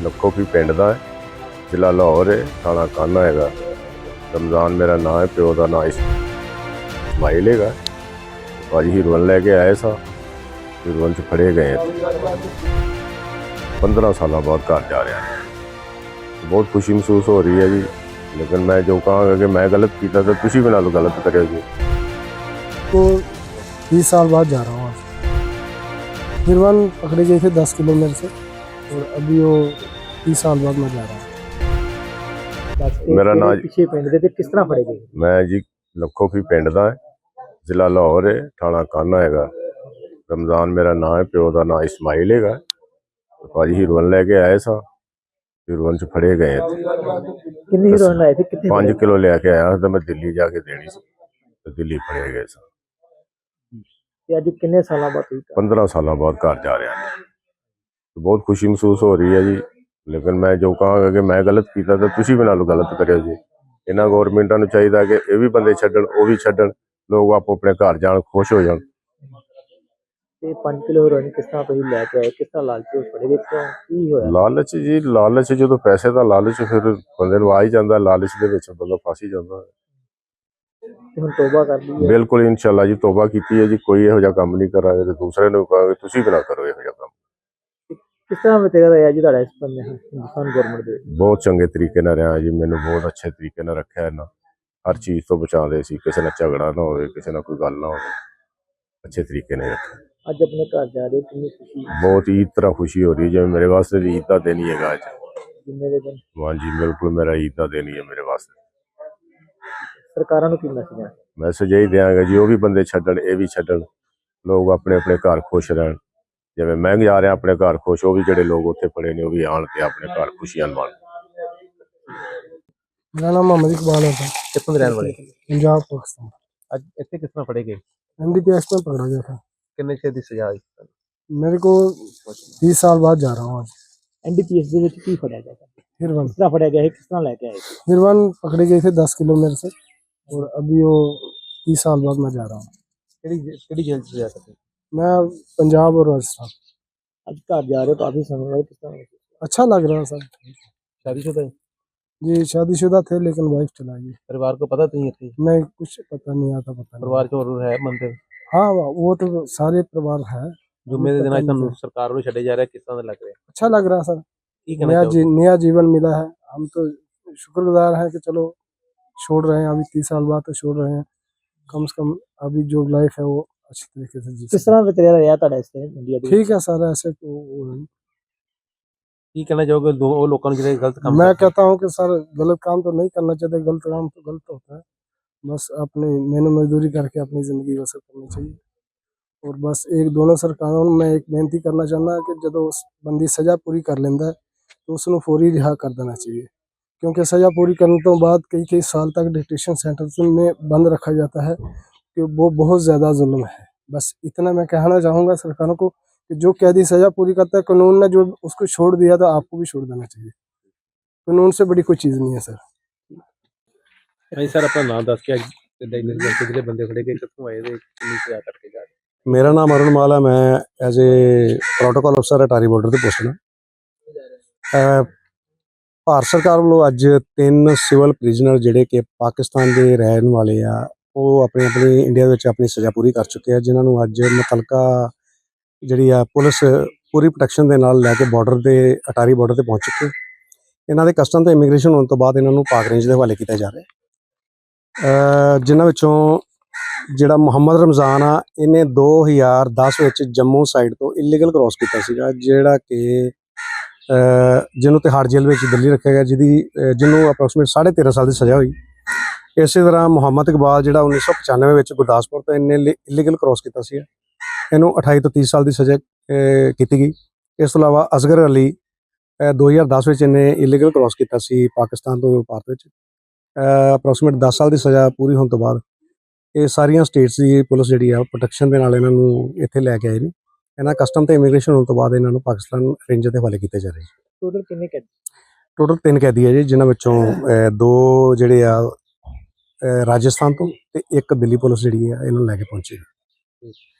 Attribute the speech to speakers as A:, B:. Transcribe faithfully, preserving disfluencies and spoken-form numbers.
A: लखो की पिंड दा है, जिला लाहौर है, थाना काना हैगा। रमजान मेरा नाम है, प्यो का नाम इस्माइल हैगा। भाजी हीरोइन लैके आए सा, हीरोइन च फड़े गए पंद्रह साल बाद घर जा रहा है। बहुत खुशी महसूस हो रही है जी, लेकिन मैं जो कहा कि मैं गलत किया तो तुसी भी नाल गलत करो जी।
B: तो बीस साल बाद जा रहा हूँ आज। हीरोइन पकड़े गए थे दस किलोमीटर से, और अभी वो तीस साल बाद मैं जा रहा हूँ।
A: मेरा नाम
C: पिछे पिंड दे किस तरह फड़े गए?
A: मैं जी लखो की पिंड दा है, जिला लाहौर है, थाना काना हैगा। रमजान मेरा नाम है, प्यो का नाम इस्माइल हैगा। भाजी हीरोइन लैके आए सा, हीरोइन च फड़े गए
C: कितनी हीरोइन लाए थे? कितने
A: पाँच किलो लैके आया तो मैं दिल्ली जाके देनी सी, तो दिल्ली फड़े गए सा।
C: अज किन्ने साल बाद हुई?
A: पंद्रह साल बाद घर जा रहा है। तो बहुत खुशी महसूस हो रही है जी, लेकिन मैं जो कहा कि मैं गलत किया तो तुसी भी नाल गलत करो जी। इन्होंने गौरमेंटा नूं चाहिए कि ये भी बंदे छड्डण, वो भी छड्डण, लोग आपो अपने घर जान, खुश हो जान।
C: ते पाँच किलो हीरोइन किस तरह तुसीं लैके आए? किस तरह लालच विच फड़े गए? क्यों की होया?
A: लालच जी, लालच जो पैसे का लालच, फिर बंदे नूं आ ही जांदा, लालच दे विच बंदा फस ही जांदा।
C: ते हुण तौबा कर ली है?
A: बिल्कुल इंशाअल्लाह जी, तौबा की है जी, कोई इहो जिहा काम नहीं करांगे ते दूसरे नूं कहांगे तुसी भी ना करो इहो जिहा काम।
C: किस तरह बतेगा रहा जी तुहाडा इस बंदे हिंदुस्तान गवर्नमेंट दे?
A: बहुत चंगे तरीके नाल रहा जी, मैनूं बहुत अच्छे तरीके नाल रखिया इन्हां, हर चीज़ तो बचाते सी, किसी नाल झगड़ा ना होवे, किसी नाल कोई गल ना होवे, अच्छे तरीके नाल रखिया।
C: अज अपने घर जा रहे हो, कितनी खुशी?
A: बहुत ईद तरह खुशी हो रही है, जिवें मेरे वास्ते भी ईद का दिन ही हैगा अज।
C: जुम्मे दे दिन
A: हाँ जी, बिल्कुल मेरा ईद का दिन ही है मेरे वास्ते।
C: सरकारां नूं की मैसेज है?
A: मैसेज यही देंगे जी, वो भी बंदे छड्डण, ये भी छड्डण, लोग अपने अपने घर खुश रहन। जिवें मैं जा रहा अपने घर खुश, वो भी जिहड़े लोग उत्थे पड़े ने वो भी आण ते अपने घर खुशियां मनाउण।
B: मेरा नाम मोहम्मद इकबाल है,
C: कित्थों दे रहण वाले?
B: पंजाब पाकिस्तान।
C: अज इत्थे किस तरह फड़े गए?
B: एन डी पी एस में पकड़ा गया था।
C: किन्ने चिर दी सजा होई?
B: मेरे को तीस साल बाद जा रहा हूँ आज।
C: एन डी पी एस दे विच की फड़िया गया?
B: हीरोइन
C: किस तरह फड़िया गया है? किस तरह लैके आए थे?
B: हीरोइन पकड़े गए थे दस किलोमीटर से, और अभी वो तीस साल बाद मैं जा रहा हूँ।
C: केड़ी केड़ी जेल च सजा करते?
B: मैं पंजाब और राजस्थान।
C: अज घर जा रहे हो, काफी समय बाद, किस तरह?
B: अच्छा लग रहा है सर।
C: शादीशुदा है?
B: जी शादीशुदा थे, लेकिन वाइफ चला गई।
C: परिवार को पता नहीं है?
B: नहीं, कुछ पता नहीं आता, पता नहीं।
C: परिवार च और है बंदे?
B: हाँ, वो तो सारे परिवार है।
C: जुम्मे दे दिन अज तुहानूं सरकार वालों छड्डे जा रहे, किस तरह लग रहा है?
B: अच्छा लग रहा है सर,
C: की कहना
B: नया जी,
C: चाहोगे?
B: नया जीवन मिला है। हम तो शुक्रगुजार हैं कि चलो छोड़ रहे हैं, अभी तीस साल बाद तो छोड़ रहे हैं, कम से कम अभी जो लाइफ है वो अच्छी तरीके से जी।
C: किस तरह बतेरा रहा तुहाडा इस इंडिया दे?
B: ठीक है सर, ऐसे को वो-
C: की कहना चाहोगे दो वो लोगों ने जिहड़े गलत काम
B: मैं
C: करते हैं?
B: कहता हूँ कि सर गलत काम तो नहीं करना चाहिए, गलत काम तो गलत होता है। बस अपनी मेहनत मजदूरी करके अपनी ज़िंदगी बसर करनी चाहिए। और बस एक दोनों सरकारों में मैं एक बेनती करना चाहना कि जो उस बंदी सज़ा पूरी कर लेंदा है तो उसनूं फौरी रिहा कर देना चाहिए, क्योंकि सज़ा पूरी करने तो बाद कई कई साल तक डिटेंशन सेंटर में बंद रखा जाता है, कि वो बहुत ज़्यादा जुल्म है। बस इतना मैं कहना चाहूँगा सरकारों को कि जो कैदी सज़ा पूरी करता है, कानून ने जो उसको छोड़ दिया तो आपको भी छोड़ देना चाहिए। कानून से बड़ी कोई चीज़ नहीं है सर।
C: नहीं सर, अपना नाम दस के जिहड़े बंदे फड़े गए कित्थों आए ते किन्नी सज़ा करके जा रहे?
D: मेरा नाम अरुण माल है, मैं एज ए प्रोटोकॉल अफसर अटारी बॉर्डर ਤੇ पोस्ट ਹਾਂ। ਭਾਰਤ ਸਰਕਾਰ ਵੱਲੋਂ ਅੱਜ ਤਿੰਨ ਸਿਵਲ ਪ੍ਰਿਜ਼ਨਰ ਜਿਹੜੇ ਕਿ ਪਾਕਿਸਤਾਨ ਦੇ ਰਹਿਣ ਵਾਲੇ ਆ, ਉਹ ਆਪਣੇ ਆਪਣੇ ਇੰਡੀਆ ਵਿੱਚ ਆਪਣੀ ਸਜ਼ਾ ਪੂਰੀ ਕਰ ਚੁੱਕੇ ਆ, ਜਿਨ੍ਹਾਂ ਨੂੰ ਅੱਜ ਮੁਤਲਕਾ ਜਿਹੜੀ ਆ ਪੁਲਿਸ ਪੂਰੀ ਪ੍ਰੋਟੈਕਸ਼ਨ ਦੇ ਨਾਲ ਲੈ ਕੇ ਬਾਰਡਰ ਦੇ ਅਟਾਰੀ ਬਾਰਡਰ ਤੇ ਪਹੁੰਚ ਚੁੱਕੇ। ਇਹਨਾਂ ਦੇ ਕਸਟਮ ਤੇ ਇਮੀਗ੍ਰੇਸ਼ਨ ਹੋਣ ਤੋਂ ਬਾਅਦ ਇਹਨਾਂ ਨੂੰ ਪਾਕ ਰੇਂਜ ਦੇ ਹਵਾਲੇ ਕੀਤਾ ਜਾ ਰਿਹਾ। ਜਿਨ੍ਹਾਂ ਵਿੱਚੋਂ ਜਿਹੜਾ ਮੁਹੰਮਦ ਰਮਜ਼ਾਨ ਆ, ਇਹਨੇ ਦੋ ਹਜ਼ਾਰ ਦਸ ਵਿੱਚ ਜੰਮੂ ਸਾਈਡ ਤੋਂ ਇਲੀਗਲ ਕ੍ਰੋਸ ਕੀਤਾ ਸੀਗਾ, ਜਿਹੜਾ ਕਿ ਜਿਹਨੂੰ ਤਿਹਾੜ ਜੇਲ੍ਹ ਵਿੱਚ ਦਿੱਲੀ ਰੱਖਿਆ ਗਿਆ, ਜਿਹਦੀ ਜਿਹਨੂੰ ਅਪਰੋਕਸੀਮੇਟ ਸਾਢੇ ਤੇਰਾਂ ਸਾਲ ਦੀ ਸਜ਼ਾ ਹੋਈ। ਇਸੇ ਤਰ੍ਹਾਂ ਮੁਹੰਮਦ ਇਕਬਾਲ ਜਿਹੜਾ ਉੱਨੀ ਸੌ ਪਚਾਨਵੇਂ ਵਿੱਚ ਗੁਰਦਾਸਪੁਰ ਤੋਂ ਇਹਨੇ ਇਲੀਗਲ ਕ੍ਰੋਸ ਕੀਤਾ ਸੀ, ਇਹਨੂੰ ਅਠਾਈ ਤੋਂ ਤੀਹ ਸਾਲ ਦੀ ਸਜ਼ਾ ਕੀਤੀ ਗਈ। ਇਸ ਤੋਂ ਇਲਾਵਾ ਅਸਗਰ ਅਲੀ ਦੋ ਹਜ਼ਾਰ ਦਸ ਵਿੱਚ ਇਹਨੇ ਇਲੀਗਲ ਕ੍ਰੋਸ ਕੀਤਾ ਸੀ ਪਾਕਿਸਤਾਨ ਤੋਂ ਭਾਰਤ ਵਿੱਚ। ਅਪਰੋਕਸੀਮੇਟ ਦਸ ਸਾਲ ਦੀ ਸਜ਼ਾ ਪੂਰੀ ਹੋਣ ਤੋਂ ਬਾਅਦ ਇਹ ਸਾਰੀਆਂ ਸਟੇਟਸ ਦੀ ਪੁਲਿਸ ਜਿਹੜੀ ਆ ਪ੍ਰੋਟੈਕਸ਼ਨ ਦੇ ਨਾਲ ਇਹਨਾਂ ਨੂੰ ਇੱਥੇ ਲੈ ਕੇ ਆਏ ਨੇ। ਇਹਨਾਂ ਕਸਟਮ ਤੇ ਇਮੀਗ੍ਰੇਸ਼ਨ ਹੋਣ ਤੋਂ ਬਾਅਦ ਇਹਨਾਂ ਨੂੰ ਪਾਕਿਸਤਾਨ ਰੇਂਜ ਦੇ ਹਵਾਲੇ ਕੀਤੇ ਜਾ ਰਹੇ।
C: ਟੋਟਲ ਕਿੰਨੇ ਕੈਦੀ?
D: ਟੋਟਲ ਤਿੰਨ ਕੈਦੀ ਹੈ ਜੀ, ਜਿਨ੍ਹਾਂ ਵਿੱਚੋਂ ਦੋ ਜਿਹੜੇ ਆ ਰਾਜਸਥਾਨ ਤੋਂ ਤੇ ਇੱਕ ਦਿੱਲੀ ਪੁਲਿਸ ਜਿਹੜੀ ਆ ਇਹਨਾਂ ਨੂੰ ਲੈ ਕੇ ਪਹੁੰਚੀ।